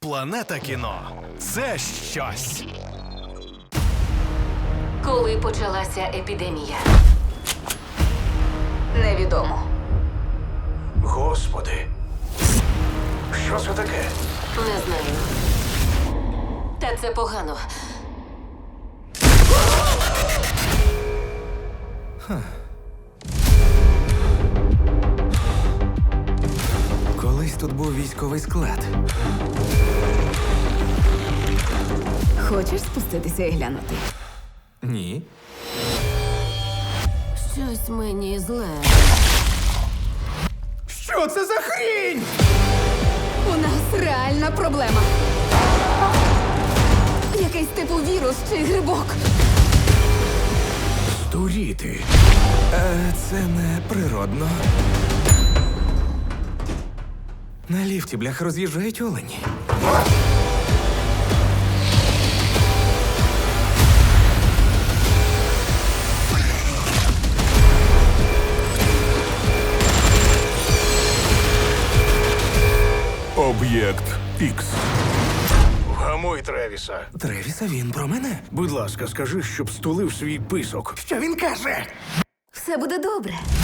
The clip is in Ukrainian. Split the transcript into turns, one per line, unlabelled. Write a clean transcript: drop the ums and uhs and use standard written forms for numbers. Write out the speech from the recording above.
Планета кіно – це щось.
Коли почалася епідемія? Невідомо.
Господи, що це таке?
Не знаю. Та це погано.
Колись тут був військовий склад.
Хочеш спуститися і глянути?
Ні.
Щось мені зле.
Що це за хрінь?
У нас реальна проблема. Якийсь типу вірус чи грибок.
Здуріти. Це не природно. На ліфті, блях, роз'їжджають олені.
Об'єкт Ікс.
Вгамуй Тревіса.
Тревіса, він про мене.
Будь ласка, скажи, щоб стулив свій писок.
Що він каже?
Все буде добре.